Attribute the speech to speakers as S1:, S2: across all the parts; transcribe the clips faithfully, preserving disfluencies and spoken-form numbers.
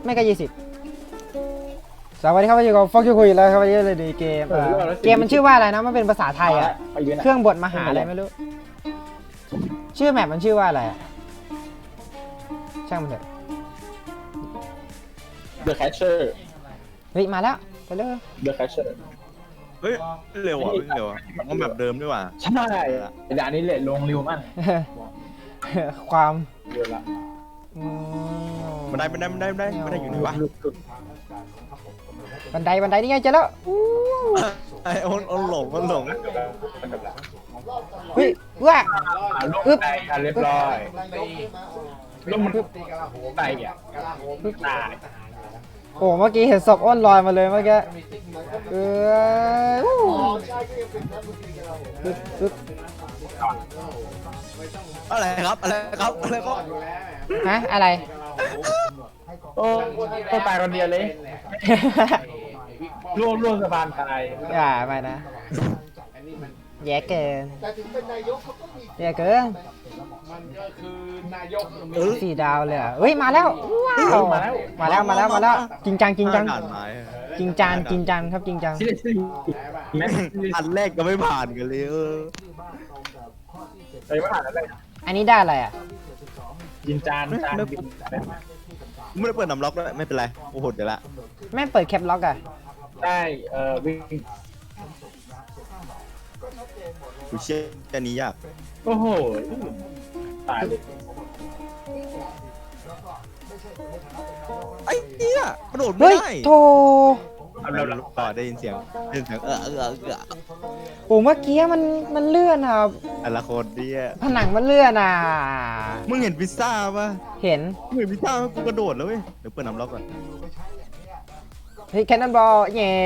S1: ไม่ก็ยี่สิบสวัสดีครับวันนี้ก็ฟอกคิวคุยแล้วครับวันนี้เลยดีเกมเกมมันชื่อว่าอะไรนะมันเป็นภาษาไทยอ่ะเครื่องบดมหาอะไรไม่รู้ชื่อแมปมันชื่อว่าอะไรอ่ะช่างมันเถอะ
S2: The Catcher
S1: เฮ้ยมาแล้วไปเลย
S2: The Catcher
S3: เฮ้ยเร็วอ่ะเร็วอ่ะมันแบบเดิมด้วยว่ะ
S2: ใช่แต่อันนี้เลทลงเร็วมาก
S1: ความ
S2: เร็วละ
S3: มันได้มันได้มันได้มันได้มันได้อยู่ไหนวะ
S1: บันไดบันไดนี่ไงเจอแล้ว
S3: ไอ้อนอนหลงอนหลง
S1: เฮ้ยว้า
S2: อึ๊บเรียบร้อยลงมันไตอ่ะตาย
S1: โอ้เมื่อกี้เห็นศพอ้นลอยมาเลยเมื่อกี้เออปึ๊บปึ๊บ
S3: อะไรครับอะไรครับอะไรครับ
S1: ฮะอะไร
S2: โอ้ก็ตายคนเดียวเลยร่วงร่วงสะพานตาย
S1: อย่าไปนะแย่เกินแย่เกินสี่ดาวเลยอ่ะเฮ้ยมาแล้วว้าวมาแล้วมาแล้วมาแล้วมาแล้วจริงจังจริงจังจริงจังจริงจังครับจริงจัง
S3: อันแรกก็ไม่ผ่านกันเลยเออ
S2: เฮ้ยไม่ผ่านอะไร
S1: อันนี้ได้อะไรอ่ะ
S2: ยินจานจาน
S3: ไม่ได้เปิดน้ำล็อกด้วยไม่เป็นไรโอ้โหเดี๋ยวละ
S1: แม่เปิดแคปล็อกอ่ะ
S2: ได้เอ่อวิ่ง
S3: กูเชื่ออันนี้ยาก
S2: โอ้โหตายเลย
S3: ไอ้เหี้ยกระโดดไม่
S1: เฮ้ย
S3: ได้
S1: โถ
S3: เราเราต่อได้ยินเสียงได้ยินเสียงเออเออเออเออ
S1: โอ้เมื่อกี้มันมันเลื่อนอ่ะ
S3: แต่ละคนเนี่ย
S1: ผนังมันเลื่อนอ่ะ
S3: มึงเห็นพิซซ่าป่ะ
S1: เห็น
S3: มึงเห็นพิซซ่าไหมกูกระโดดแล้วเว้ยเดี๋ยวเปิดน้ำล็อกก่อน
S1: เฮ้ยแคนนอนบอลเย่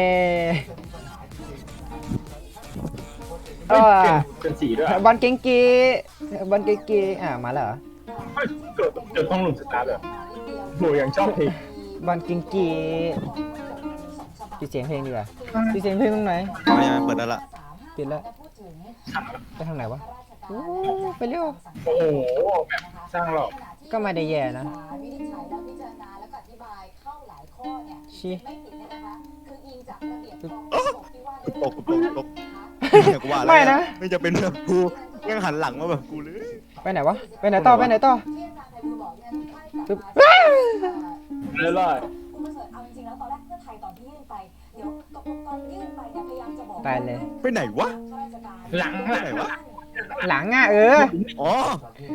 S1: เออ
S2: เป็นสีด้วย
S1: บอลเก่งกีบอลเก่งกีอ่ามาแล้วเหรอ
S2: เกิดเกิดต้องหลุมสตาร์ทเลยโหยังชอบเพลง
S1: บอลเก่งกีปิดเสียงเพลงดีกว่าปิดเสียงเพลงตรงไหน
S3: ไม่ไม่เปิดได้ละ
S1: ปิดแล้วไปทางไหนวะโอ้ไปเร็ว
S2: โอ้โหแบบสร้างหรอก
S1: ก็ไม่ได้แย่นะ
S4: วินิจฉัยและพิจารณาและอธิบายเข้าหลายข้อเนี่ย
S1: ชี้
S4: ไม่ผิดเนี่ยนะคะคืออิงจากระเบียบกองทัพบกที่ว่า
S3: กูตกกูตกกูตกกูว่าแล้ว
S1: ไม่นะ
S3: ไม่จะเป็นแบบกูยังหันหลังมาแบบกูเลย
S1: ไปไหนวะไปไหนต่อไปไหนต่อ
S4: ที่อาจารย์ไพบูลย์บอกเนี่ยใกล้กับ
S1: ปึ๊บ
S4: มา
S2: เรื่อย
S4: คุณประเสริฐเอาจริงๆแล้วตอนแรกเพื่อไทยตอนที่ยื่นไปเดี๋ยวตกลงตอนยื่นไปเนี่ยพยายามจะบอก
S1: ตายเลย
S3: ไปไหนวะ
S4: ข้าราชการ
S2: ๆหลังหลัง
S3: ไหนวะ
S1: หลังอ่ะเออ
S3: อ๋อ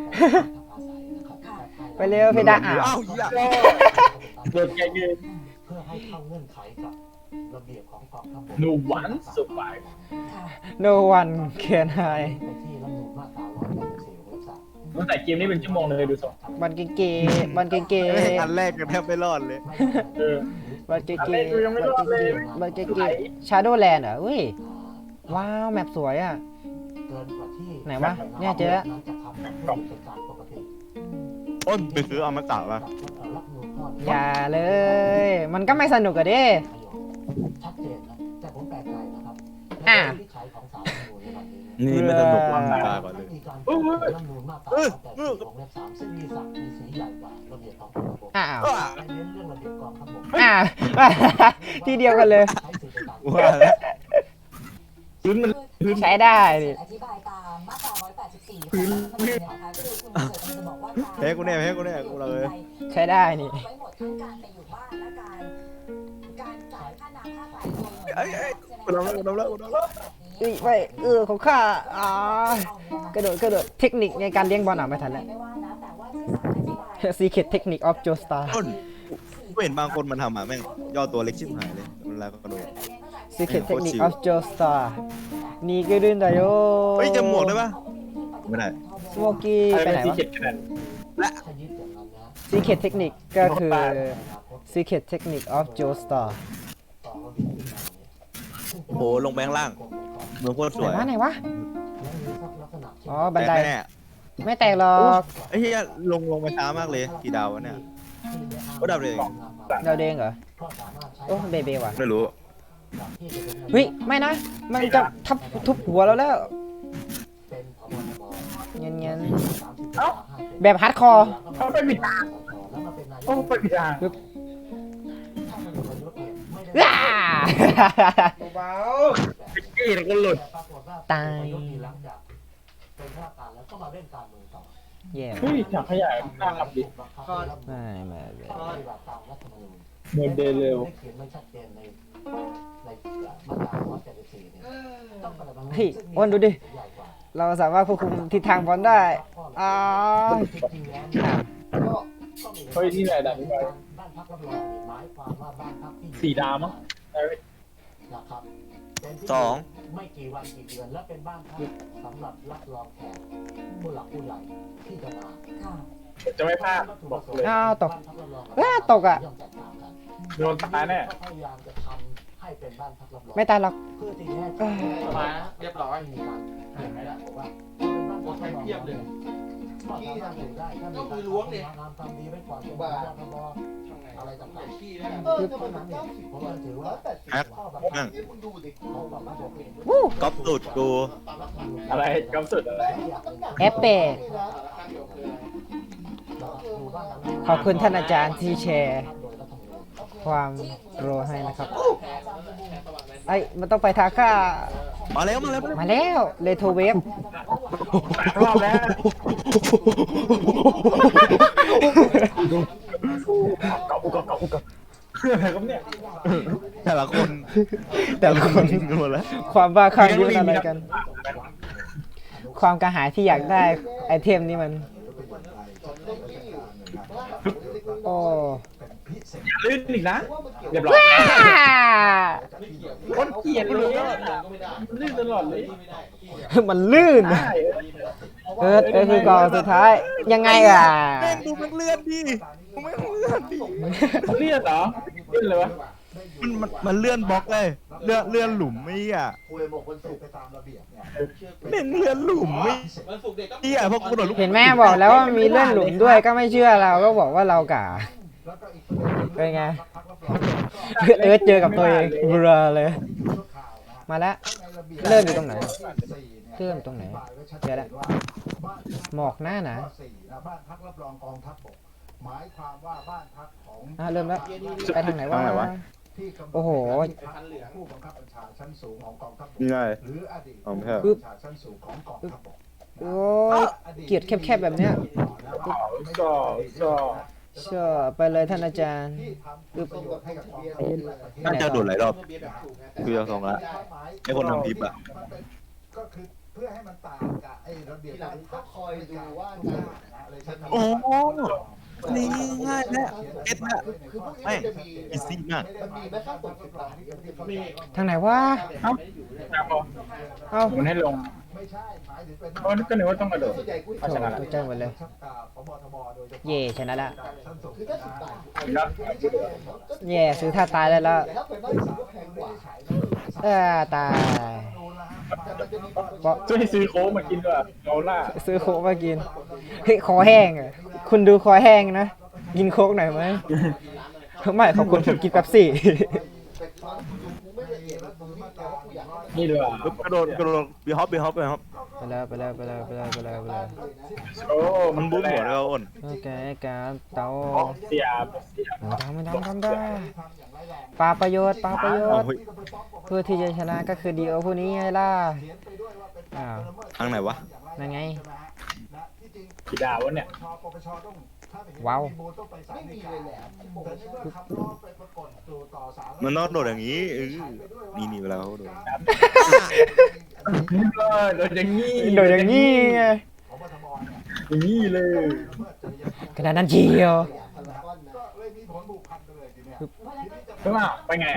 S1: ไปเร็วเพดานอ่ะ
S3: อ้าวเหี้ย
S2: โดนแกยืน
S5: เพื่อให้เข้าเงื่อนไขกับระเบียบของกองทัพบก
S2: หนูหวานสุดไป
S4: ค่ะ
S1: no one can hide
S5: ไปที่รัฐธรรมนูญมาตราร้อยแปดสิบสี่วงเล็บสาม
S2: ตั้งแต่เกมนี้เป็นชั่วโมงเลยดูสด
S1: บอลเก่งกีบอลเก่งกี
S3: อันแรกกันแทบไม่รอดเลย
S2: เออ
S1: บอลเก่ง
S2: อัน
S1: กี
S2: แรกกูยังไม่รอดเลย
S1: บอลเก่งกีชาร์โดแลนด์เหรอเฮ้ยว้าวแมปสวยอ่ะ
S5: เกินกว่าที่
S1: ไหนวะเนี่ยเจอแล้ว
S5: นั้นจะทำให้เป็นการปกติ
S3: อ้นไปซื้อเอามาตัดวะ
S5: รัฐธรรมนูญข้อ
S1: อย่าเลย มันก็ไม่สนุกอะดิ
S5: ชัดเจนนะแต่ผมแปลกใจนะครับ
S1: อ่ะ
S5: ในวินิจฉัยของศาลรัฐธรรมนูญในวันนี้
S3: นี่ไม่สนุกลำบากก่อนเลย
S5: มีการแก้ไขรัฐธรรมนูญมาตราร้อยแปดสิบวงเล็บสามซึ่งมีศักดิ์มีสีใหญ่กว่าระเบียบของกองทัพบก
S1: อ้าว
S5: และเน้นเรื่องระเบียบกองทัพบก
S1: อ้าว ที่เดียวกันเลย
S5: ใช้สิทธิในการ
S3: ว่าแล้ว
S2: พื้นมันพื้น
S1: ใช้ได้ดิ
S4: อธิบายตามมาตราร้อยแปดสิบสี่ของรัฐธรรมนูญเนี่ยนะคะคือคุณประเสริฐจะบอกว่าการ
S3: แพ้กูแน่แพ้กูแน่กูเลย
S1: ใช้ได้นี่
S4: ไว้หมดทั้งการไปอยู่บ้านและการการจ่ายค่าน้ำค่าไฟรวมหมด
S3: ไอ้ไอ้กูทำแล้วกูทำแล้วกูทำแล้ว
S1: เอ้ยไปเออของข้าอ่ากระโดดกระโดดเทคนิคในการเลี้ยงบอลอ่ะไม่ทันแล้ว
S4: ไม่ว่านะแต่ว่าที่สารอธิบาย
S1: Secret Technique of Joestar
S3: อ้นกูเห็นบางคนมันทำอ่ะแม่งย่อตัวเล็กชิบหายเลยเวลากระโดด
S1: Secret Technique of Joestar นี่ก็ดื้นได้โย
S3: เฮ้ยจำหมวกได้ปะไม่ได้
S1: สโมกี้
S2: อะไร
S1: ไป
S2: เป็น
S1: ไหน
S2: สี
S1: วะ
S2: เขียดขนาด
S5: ถ้ายึดอย่างนั้นนะ
S1: Secret Technique ก็คือ Secret Technique of Joestar
S5: ต่อระเบียบขึ้นมาเนี่ย
S3: โอ้โหลงไปข้างล่างเมืองโคตรส
S1: ไหน
S3: วยว
S1: ะไหนวะ
S5: และมีลักษณะเช่น
S1: อ๋อ บันได
S3: แน่
S1: ไม่แตกหรอก
S3: ไอ้เหี้ยลงลงไปช้ามากเลยกี่ดาววะเนี่ยก็ดาวเลย
S1: เราเด้งเหรอ
S5: ก็สามารถใช้
S1: โอ้เบเบว่ะ
S3: ไม่รู้
S5: ที่จะเป็น
S1: เฮ้ย ไม่นะ มันจะทับทุบหัวเราแล้ว
S5: เป็นพบทบ
S1: เงี้ยเงี้ย
S5: สามสิบเอ้า
S1: แบบฮาร์ดคอร์
S2: เขาไปผิดทาง
S5: แล้วมาเป็นนายก
S2: โอ้ไปผิดทาง
S1: ปอ้า
S2: เบากี้แล้วก็หลุด
S1: ตาย
S5: หลังจากเป็นข้าราชการแล้วก็มาเล่นการเมืองต่อ
S1: แย่
S2: เฮ้ยถังขยะน่าขับดิ
S1: ไม่ไม่ไม่
S5: ปฏิบัติตามรัฐธรรมนูญ
S2: โมเดลเร็ว
S5: ได้เขียนไว้ชัดเจนในในมาตราหนึ่งร้อยเจ็ดสิบสี่เนี่ยต้องปฏิบัติ
S1: เฮ้ยอ้วนดูดิ
S5: ใหญ่กว่า
S1: เราสามารถควบคุมทิศทางบอลได้อ้าว
S5: จริงๆแล้วเนี่ย
S1: อ้าว
S5: ก็ก็มี
S2: เฮ้ยนี่แหละดับไป
S5: บ้านพักรับรองเนี่ยหมายความว่าบ้านพักที่อยู่
S2: สี่ดาวมั้งเอ้ย
S5: นะครับเป็นที่
S3: สอง
S5: ไม่กี่วันกี่เดือนและเป็นบ้านพักสำหรับรับรองแขกผู้หลักผู้ใหญ่ที่จะมา
S4: ค่ะ
S2: จะไม่พลาดบอกเลย
S1: อ้าวตก
S5: บ้านพักรับรอง
S1: อ้าวตกอะ
S5: ย่อมแตกต่างกัน
S2: โดนตายแน่
S5: ก็พยายามจะทำให้เป็นบ้านพักรับรอง
S1: ไม่ตายหรอก
S5: เพื่อที่จะให้
S1: เอ้ย
S6: มาเรียบร้อย
S5: มีการเห็นไหมล่ะบอกว่าเป็นบ้านพักรับรอง
S6: เทียบเลย
S5: ก็สามารถอยู่ได้ถ้ามี
S6: ก็
S5: กา
S6: มื
S5: ร
S6: อล้วงเนี่ย
S5: ทำความดีไว้ก่อนเป็นบ้านพักรับรองอะไรต่างๆ
S6: ขี้ได้
S5: เออเท่านั้นเองผมก็ถือว่า
S3: แอ็ก
S5: ข้อบัง
S3: นั่
S5: คั
S3: ง
S5: บของระบบเอง
S1: วู้
S3: ก๊อปสุดกู
S2: อะไรกำสุดอะไร
S1: เอฟเฟกต์ขอบคุณท่านอาจารย์ที่แชร์ความรู้ให้นะครับไอ้ยมันต้องไปทาค่า
S3: มาแล้วมาแล้วมาแล้ว
S1: มาแล้วเลโทเวฟ
S2: รอบแล้วเกาะอุกเกาะอุกเกาะอะไรครับเนี่ย
S3: แต่ละคน
S1: แต่ละคน
S3: หมดแล้ว
S1: ความบ้าคลั่งนี่มันอะไรกัน ความกระหายที่อยากได้ไอเทมนี่มัน โอ้
S2: ลื่นอีกนะ เรียบร้อย
S1: ว้า
S2: คนเกลียดเลยลื่นตลอดเลย
S1: มันลื่น
S2: ได้
S1: เออเออคือกองสุดท้าย ยังไงอ่ะ
S3: แม่งดูมันเลื่อนดิกูไม่เลื่อนดิ
S2: เลือดเหรอเลือดเลยวะ
S3: มันมันมันเลื่อนบล็อกเลยเลื่อนเลื่อนหลุมไม่อ่ะ
S5: คุยบอกคนสูบไปตามระเบียบเนี่ย
S3: แม่งเลื่อนหลุมไม่
S6: วันศุกร์เด็กก็
S3: เหี้ยเพราะกูโดนลูก
S1: เห็นแม่บอกแล้วว่ามีเลื่อนหลุมด้วยก็ไม่เชื่อเราก็บอกว่าเรากะ
S5: แล้วก็อีกประเด็นหนึ่ง
S1: เป็นไง
S5: พักรับรองก็
S1: เอิร์ธเจอกับตัวเองเบลอเลย
S5: ชั่วคราวนะ
S1: มาแล้ว
S5: ในระเบียบ
S1: เริ่มอยู่ตรงไหน
S5: สี่เนี่ย
S1: เริ่มตรงไหน
S5: อธิบายไว้ชัด
S1: เจ
S5: เจ
S1: อน แล้ว
S5: ว่าบ้าน
S1: หมอกหน้าหนา
S5: ข้อสี่นะบ้านพักรับรองกองทัพบกหมายความว่าบ้านพักของ
S1: อ่ะเริ่มแล้วไปทางไหนวะ
S5: ที่กำหนด
S1: โอ้โห
S5: พันเหลืองผู้บังคับบัญชาชั้นสูงของกองทัพบก
S3: นี่ไง
S5: หรืออดีต
S3: อ๋อไม่
S5: ผู้
S3: ใช่
S5: บังคับบัญชาชั้นสูงของกองทัพบก
S1: โอ้ยเกลียดแคบๆแบบเนี้ย
S2: ก็ก็
S1: เชื่อไปเลยท่านอาจารย์
S5: ที่ทำประโยชน์ให้กับกองทัพบกและประเทศ
S3: น่าจะโดดหลายรอบ
S6: เบียร์แบบถูกไงแต่
S3: คือจะสองละ ไอ้คนทำคลิปอะ
S5: มันเป็นก็คือเพื่อให้มันต่างกับไอ้ระเบียบ
S6: ทีหลังก็คอยดูว่า
S5: อะไรใช่ไหม
S3: โอ้โหนี่ง่ายแล้วเก็ตละ
S5: คือพวกนี้
S3: แม่ง
S5: จะมี
S3: อีซี่มาก
S5: มันมีแม้ขั้นตอนสิบล้านที่เป็นที่เขา
S6: มี
S1: ทางไหนวะ
S2: เอ้าจับบอก
S1: เอ้า
S2: มันให้ลง
S5: ไม่ใช่หมายถึงเป็น
S2: เพราะก็นึกว่าต้องกระโดด
S5: ส่วนใหญ่กู
S2: เอาชนะละ
S1: ตกใจหมดเลย
S5: ชักกาพบทบโดยเฉพาะ
S1: เย่ชนะละ
S5: ชั้นสูงคือถ้าสิบบาท
S2: ครับ
S1: แย่ซื้อท่าตายได้แล้ว
S5: แล้วเป็นบ้านสูงก็แพงกว่า
S1: เออตาย
S5: แต่มันจะมี
S1: เพราะ
S2: ช่วยซื้อโค้กมากินด้วยโรล่า
S1: ซื้อโค้กมากินเฮ้ยคอแห้งอ่ะคุณดูคอแห้งนะ กินโค้กหน่อยไหมไม่ขอบคุณผมกินเป๊ปซี่
S2: นี่ด้วย
S3: ปุ๊บกระโดดกระโดดบีฮอปบีฮอปบีฮอป
S1: ไปแล้วไปแล้วไปแล้วไปแล้วไปแล้วไปแล้ว
S2: โอ้
S3: มันบูมหัวเลยอ้น
S1: โอเคการเตา
S2: เสียบ
S1: ไม่ทำไม่ทำทำได้ปาประโยชน์ปาประโย
S3: อ้าว
S1: ชน์
S3: เฮ้ย
S1: เพื่อที่จะชนะก็คือดีโอผู้นี้ไงล่ะอ้าว
S3: ทางไหนวะ
S1: นั่นไง
S2: กี่ดาววะเนี่ย
S1: ว้าว
S5: ไม่มีเลยแหละแต่ในเมื่อคำร้องไปปรากฏสู่ต่อสาธารณ
S3: มันนอกโดดอย่างนี้เออนี่นี่เวลาเขาโดด
S2: เออโดนอย่างงี้
S1: โดยอย่างนี้ไง
S5: พบทบเนี่ย
S2: อย่างงี้เลย
S1: ขนาดนั้นเชียว
S5: ก็เลยมีผลผูกพันกันเลยทีเนี้ย
S2: ใช่ป่ะไปไง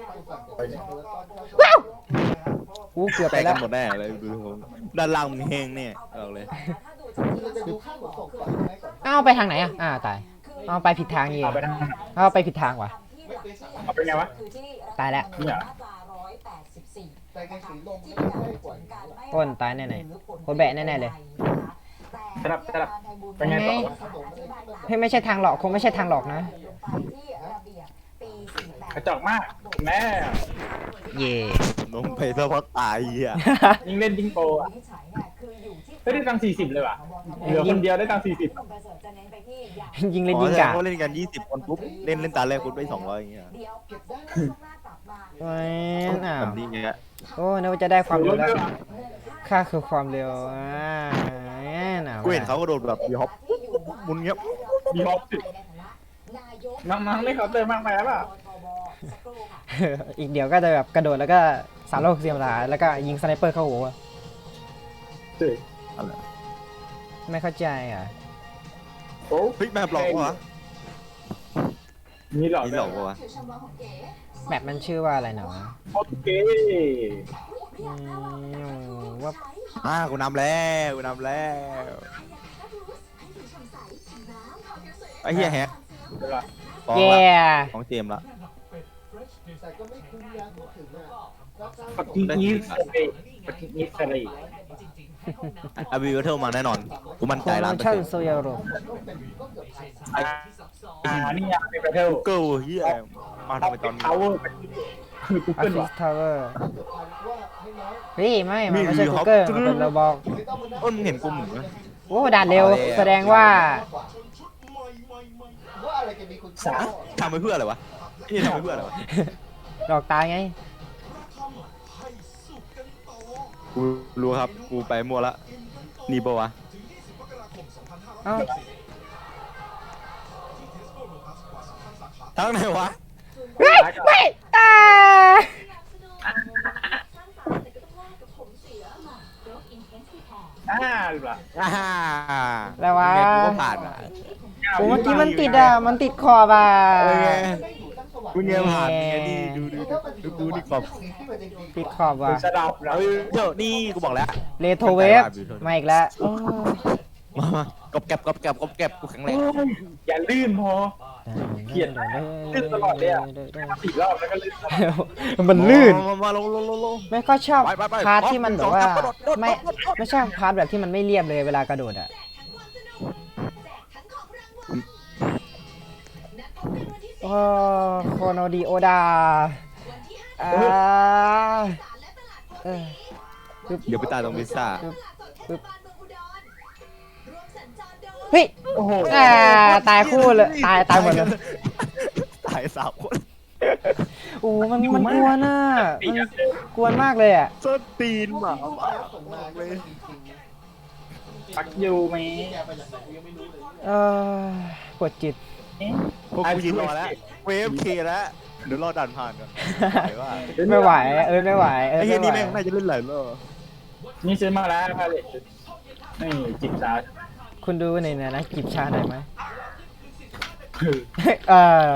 S1: ว้าวอู้เกือบ
S3: แต
S1: ไป
S3: ก
S1: แล้
S3: กั
S1: วน
S3: หมดแน่เลยดูผมด้านล่างมันแห้งแน่บอกเลย
S4: ถ้าดูจากที่เราจะดูข้างหัวของ
S1: อ้าวไปทางไหนอ่ะอ่าตายอ้าวไปผิดทางเอง
S2: เอาไปทางไหน
S1: อ้าวไปผิดทางว่ะ
S2: เอาไปไงวะ
S1: ตายแล้ว
S2: เนี่ย
S4: มาตราร้อยแปดสิบสี่
S5: แต่ในสีลม
S4: ที่
S5: ไม่
S4: มีการ
S5: ได้
S4: ผ
S5: กว่า
S4: ลการไม่
S1: อ้นตายแน่ๆคนแบะแน่ๆเลย
S2: สลับสลับไปไงต่อวะ
S1: ให้ไม่ใช่ทางหลอกคงไม่ใช่ทางหลอกนะ
S4: ที่ระเบียบปีสี่แปด
S2: กระจอกมากแม่
S1: เย่
S3: น้องไปซะเพราะตายอ่ะ
S2: ยิงเล่นยิงโปอ่ะ
S4: วินิจฉัยเนี่ยคืออยู่ที่
S2: ไม่ได้ตังค์สี่สิบเลยว่ะเหลือคนเดียวได้ตังค์สี่สิบ
S4: คุณประเสริฐจะเน้นไปที่อย่าง
S1: ยิงเล่น
S3: อ๋อ
S1: ยิง
S3: แต่
S1: กะ
S3: เขาเล่นกันยี่สิบคนปุ๊บเล่นเล่นตาแรกปุ๊บได้สองร้อยอย่างเงี้ย
S4: เดียวเก็บได้ช่วงหน้าก
S1: โอ้ยอ้าว
S3: แบบนี้เงี้ย
S1: โอ้นึกว่าจะได้ความเร็วแล้วค่าคือความเร็วอ่าหนาว
S3: กูเห็นเขาก็โดดแบบบีฮอปมุนเงี้ย
S2: มีฮอปสิน้องๆไม่เขาน์เตอร์มากไปแล้วเปล่า
S1: อีกเดี๋ยวก็จะแบบกระโดดแล้วก็สามร้อยหกสิบองศาแล้วก็ยิงสไนเปอร์เข้าหัว
S2: เฮ้ย
S3: อะไร
S1: ไม่เข้าใจอ่ะ
S2: โอ้
S3: เฮ้ยแมปหลอกวะ
S2: มีหลอก
S3: นี่หลอกวะ
S1: แมปมันชื่อว่าอะไรหนอ
S2: โอเค
S1: อืมว่า
S3: อ่ากูนำแล้วกูนำแล้วไอ้เหี้ยแฮก
S2: เดี๋ยวละ
S3: ฟ้อง
S1: แย่
S3: ละของเจมส์ละ
S6: แต่ก็ไม่คุ้มนะพูดถึงอ่ะรับจ้าง
S2: ปฏิทินสเตย์ปฏิทินสเตย์
S3: อาบีเวอร์เทลมาแน่นอนกูมั่น
S1: โค
S3: ใจ
S1: โน
S3: ล้านเปอร์
S1: ชั่น
S3: เซ็นต์
S1: โซยาโร
S2: อ่าอ่านี่ยังเป็นประเทศ
S3: เกิลเฮียมาทำไมตอนนี้
S2: พาวเวอร์คือกู
S1: อา
S2: เกิล
S1: ฟิ
S2: ว่ะ
S1: สทาวเวอร์
S6: ว่าให้น้อย
S1: เฮ้ยไม่ มันไม่ใช่กูเกิลมันเป็นโรบอก
S6: ไม่ต้องมานั่ง
S3: เอ้นมึงเห็นกูหมุนไหม
S1: โอ้ด่านเร็วแสดงว่า
S6: ว่าอะไรจะมีคุณค่า
S3: ทำไปเพื่ออะไรวะนี่ทำไปเพื่ออะไรวะ
S1: ดอกตาไง
S3: กูรู้ครับกูไปมั่วละนี่ปะวะ
S1: เอ้า
S3: ทั้งไหนวะ
S1: เฮ้ยไม่ตา
S2: อ่าหรือเปล่า
S3: อ่า
S1: แล้ววะ
S3: ยังไงกูก็ผ่านอ่ะ
S1: โอ้เมื่อกี้มันติดอ่ะ มันติดขอบอ่ะ
S3: เออไง
S6: ได้อยู่ตั้งสวรร
S3: กู
S6: ค์
S3: เนี่ยผ่านไงนี่ดูดู
S6: ถ้ามันอ
S3: ดู
S6: ยู่
S3: กูนี่กรอบ
S6: ที่มันจะดี
S1: ติดขอบว่ะ
S2: สะดับแล้ว
S3: เออเดี๋ยวนี่กูบอกแล้ว
S1: เรโทรเวฟมาอีกแล้วโอ้
S3: มามากรอบแกบกรอบแกบกรอบแกบกูแข็งแรง
S2: อย่าลื่นพอ เกลียดลื่นตลอดเลยอะ สี่รอบแล้วก็ลื่นตลอด
S1: มันลื่น
S3: มามาลงลงลงลง
S1: ไม่ก็ชอบ
S3: ไปไปไป
S1: พาร์ทที่มันแบบว่า
S3: โดดโดดโดด
S1: ไม่ไม่ใช่พาร์ทแบบที่มันไม่เรียบเลยเวลากระโดดอ่ะโอ้โคโนดีโอดาอ่าเออ
S3: เดี๋ยวไปตายตรงพิซซ่า
S1: เฮ้ย
S2: โอ้โห
S1: อ่าตายคู่เลยตายตายหมดเลย
S3: ตายสามคน
S1: โอ้มันมันกวนอ่ะมันกวนมากเลยอ่ะ
S3: ส้นตีนหมา
S6: ส่งมาก็ไม่มีจริง
S2: ปักยูไหม
S6: แกไปจากไหนกูยังไม่รู้เลย
S1: เออปวดจิต
S3: พวกกูยืนรอแล้วเวฟเคแล้วเดี๋ยวรอดันผ่านก่อนไหวว่า
S1: ไม่ไหวเออไม่ไหวเออ
S3: ไอ้เฮีย
S1: ไม่
S3: นี่
S1: ไหว
S3: แม่งน่าจะเล่นหลายรอบ
S2: นี่ซื้อมาแล้วพาเลตนี่จิบซาร์
S1: คุณดูในเนี่ยนะกิบชาหน่อยไหม
S2: คือ
S1: เออ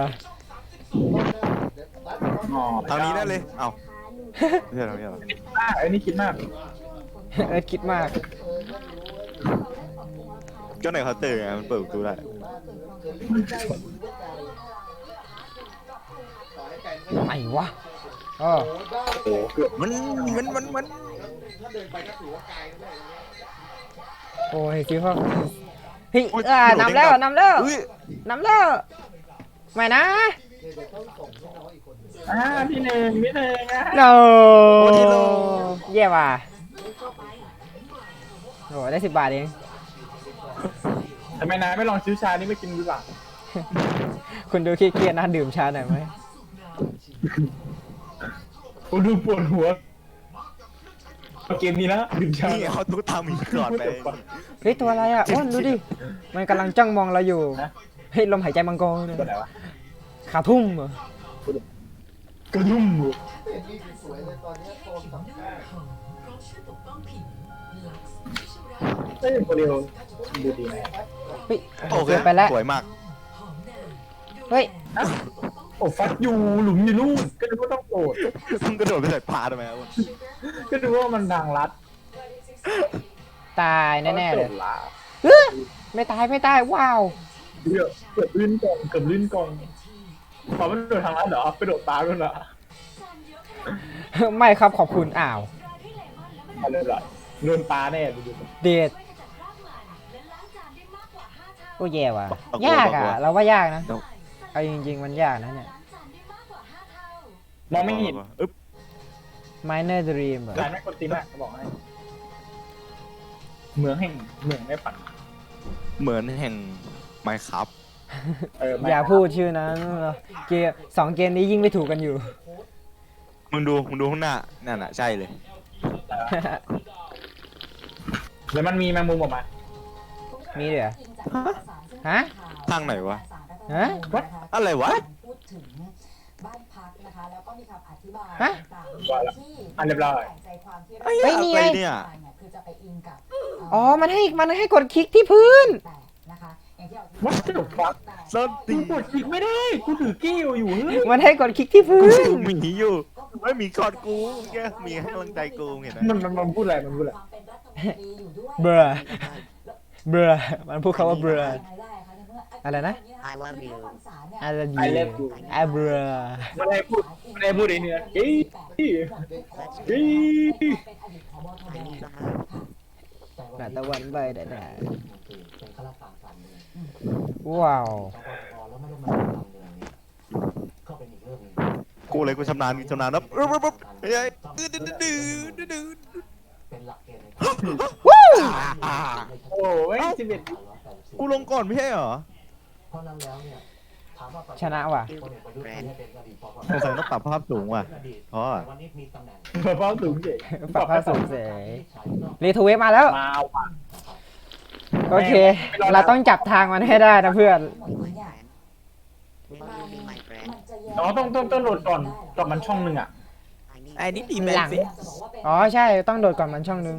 S2: อ๋อ
S3: ทางนี้ได้เลยเอ้าไม่ใช่ทางนี้หรอ
S2: อ่าไอ้นี่คิดมาก
S1: เออคิดมาก
S3: ก็ในเคาน์เตอร์ไงมันเปิดประตูได้
S1: ไหนวะอ๋อ
S2: โอ้เกือบ
S3: มันมันมันมัน
S6: ถ้าเดินไปก็ถือว่าไกลด้วย
S1: โอ้ยคิดว่าเฮ้ยอ่านำแล้วนำแล้ว
S3: อุ้ย
S1: นำแล้วไม่นะ
S6: เดี๋ยวต้องส่งให้น้องอีกคน
S2: อ่าพี่หนึ่งพี่หนึ่งอ่ะ
S1: โนเย่ว่ะโอ้ได้สิบบาทเอง
S2: ทำไมนายไม่ลองซื้อชานี่ไม่กินดีกว่า
S1: คุณดูเครียดๆนะดื่มชาหน่อยไหม
S2: โอ้ดูปวดหัวเกมนี้นะดื่มชา
S3: นี่เขาตุ๊กตาหมีกอดไป
S1: เฮ้ยตัวอะไรอ่ะอ้วนดูดิมันกำลังจ้องมองเราอยู่เฮ้ยลมหายใจมังกรเลย
S2: ตัวไหนวะ
S1: ขาทุ่มเหรอก
S2: ระดุม
S6: เป็นนี่สวยเลยตอนนี้โฟมสองข้าง
S2: เอ้ยตัวเดียวดูดีไหม
S1: เฮ้ย
S3: โอเค
S1: เกินไปแล้ว
S3: สวยมาก
S1: เฮ้ย
S2: โอ้ฟักยูหลุมอยู่นู่นก็ดูว่าต้องโกรธ
S3: มึงกระโดดไปใส่ปลาทำไมอ่ะ
S2: ก็ดูว่ามันทางลัด
S1: ตายแน่ๆเลย
S2: โดดละ
S1: เฮ้ยไม่ตายไม่ตายว้าว
S2: เกือบเกือบลื่นกองเกือบลื่นกองพอมันโดดทางลัดเหรอไปโดดตาด้วยเหรอ
S1: ไม่ครับขอบคุณอ้าว
S2: เอาเลยเหรอโดนปลาแน่ดูดู
S1: เดดโอ้แย่ว่ะยากอ่ะเราว่ายากนะเอาจริงๆมันยากนะเนี่ย
S2: มองไม่เห็น
S3: อึ๊บ
S1: Minor Dream เหรอ
S2: การไม่กดตีมากบอกให้เมืองแห่งเมืองไม่ปั่น
S3: เหมือนแห่งไมค์ครับ
S2: เออไม่
S1: อย่าพูดชื่อนั้นเกมสองเกมนี้ยิ่งไม่ถูกกันอยู่
S3: มึงดูมึงดูข้างหน้านั่นน่ะใช่เลย
S2: แล้วมันมีแมงมุมออกมา
S1: มีด้วยเหรอฮะ
S3: ทางไหนวะ
S1: ฮะ
S3: อะไรวะ
S4: พูดถึงบ้านพักนะคะแล้วก็มีคำอธิบาย
S1: ฮะ
S4: ต่างๆที่
S2: อันเรียบร้อย
S4: ใจความที่
S3: เฮ้ย
S1: เฮ้ยนี่ไง
S3: อะไรเนี่ย
S4: คือจะไปอิงกับ
S1: อ๋อ มันให้ มันให้กดคลิกที่พื้น
S4: แต่นะคะอย่างที่เรา
S2: What the fuck
S3: ส้นตี
S2: กูกดคลิกไม่ได้กูถือกิ้วอยู่เฮ้ย
S1: มันให้กดคลิกที่พื้
S3: กู
S1: น
S3: ดูหมีอยู่ไม่มีกอดกูแกมีให้กำลังใจกูเห็นไหม
S2: มันมันมันพูดอะไรมันพูดอะไร
S4: ความเป็นรัฐมนตรีอยู่ด้วย
S1: เบรอเบรอมันพูดคำว่าเบรอ อะไรนะ
S4: I love you
S1: อะไร
S2: I love you
S1: ไอ้เบรอ
S2: ไม่ได้พูดไม่ได้พูดเองเนี่ยเฮ้ยเฮ้ยเฮ้ย
S1: หน้าตะวันใบได้ได้
S5: เป็นข้าราชการการเมือง
S1: ว้าว
S5: แล้วไม่ได้มาทำการเมืองเนี่ยก็เป็นอีกเรื่องหนึง
S3: กูเลยกูชำนาญชำนาญนะปึ๊บปึ๊บปึ๊บเฮ้ยดื้อดื้อดื้อดื้อดื้อ
S5: เป็นหลักเกณฑ์ใน
S1: วู้
S3: อ่า
S2: โอ้ยสิบเอ็ด
S3: กูลงก่อนไม่ใช่เหรอ
S5: เพราะนั้นแล้วเนี่ยถามว่า
S1: ชนะว่ะ
S5: พลเอกประยุทธ์ไม่ได้เป็นอดีตปปช
S3: สงสัยต้องปรับภาพสูงว่ะ เพราะ
S5: วันนี้มีตำแหน่ง
S2: เบาสูงเฉย
S1: ปรับค่าสูงเสยรีทเวฟมาแล้ว
S2: มาว่ะ
S1: โอเค เราต้องจับทางมันให้ได้นะเพื่อน
S2: อ๋อต้องต้องต้องโหลดก่อนก่อนมันช่องหนึ่งอ่ะ
S3: ไอ้นี่ดีแม
S1: หลั
S3: น
S1: ง
S3: สิ
S1: อ๋อใช่ ต้องโดดก่อนมันช่องนึง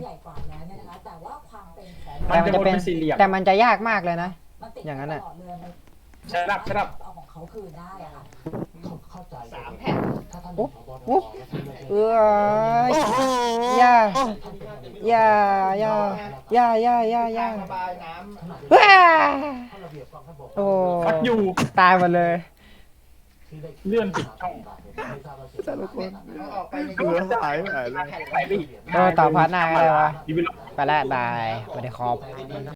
S2: มันจะวนเป็นสี่เหลี่ยม
S1: แต่มันจะยากมากเลยนะ อย่างนั้นน่ะ
S2: ใช่รับใช่รับ
S4: เอาของเขาคืนได้อะค่ะ
S5: เข้าใจสามแผ่นถ้าท่าน
S1: อุ๊บ
S5: ผบ
S1: อุ๊บ เอ้ย
S3: โอ้โห
S1: อย่า อย่า อย่า อย่า อย่า อย่า อย่า
S6: ระบายน้ำ
S1: ว้า
S5: ข้อระเบียบกองทัพบก
S1: โอ้
S2: พัดอยู่
S1: ตายหมดเลย
S5: ที่ได้
S2: เลื่อนผิดช่อง
S3: แต่ละคน
S6: เอาออกไปใน
S3: เหลือหายไปเลย
S2: ไปไปอีก
S1: เออต่อพาร์ทหน้าก็ได้วะ
S2: ดีไปหรอ
S1: ไปแล้วบายสวัสดีครับ